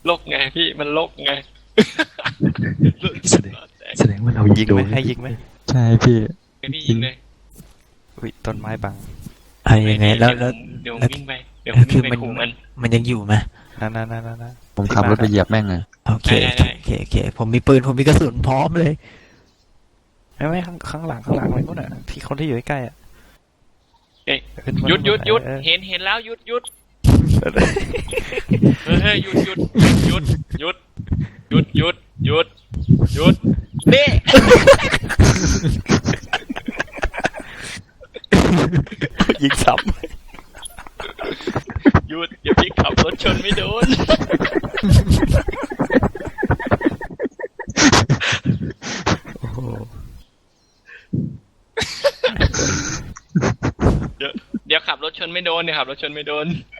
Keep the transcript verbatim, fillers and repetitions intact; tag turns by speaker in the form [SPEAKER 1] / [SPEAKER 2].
[SPEAKER 1] ลกไงพี่มันลกไง
[SPEAKER 2] แสดงแสดงว่าเรา
[SPEAKER 3] ยิงไหมให้ยิงไหม
[SPEAKER 2] ใช่พี่
[SPEAKER 1] ไอพี่ยิงเลย
[SPEAKER 3] อุ้ยต้นไม้บัง
[SPEAKER 4] ไอ้ยังไงแล้วแล้ว
[SPEAKER 1] เดี๋ยวผมวิ่งไปเดี๋ยวผมวิ่งไปขู่มัน
[SPEAKER 4] มันยังอยู่ไหม
[SPEAKER 3] นั่นนั่นนั่นนั่น
[SPEAKER 2] ผมขับรถไปเหยียบแม่งเลย
[SPEAKER 4] โอเคโอเคโอเคโอเคผมมีปืนผมมีกระสุนพร้อมเลย
[SPEAKER 3] ไม่ไม่ข้างข้างหลังข้างหลังเลยนู่นน่ะที่คนที่อยู่ใกล้ๆอ่ะ
[SPEAKER 1] เอ้ยหยุดหยุดหยุดเห็นเห็นแล้วหยุดหยุดเฮ้ยหยุดหยุดหยุดหยุดหยุดหยุดหยุดหยุดนี่
[SPEAKER 3] ยิงซ้
[SPEAKER 1] หยุดอย่าพี่ขับรถชนไม่โดน
[SPEAKER 3] ำโอ้โห
[SPEAKER 1] เดี๋ยวเดี๋ยวขับรถชนไม่โดนเนี่ยขับรถชนไม่โดน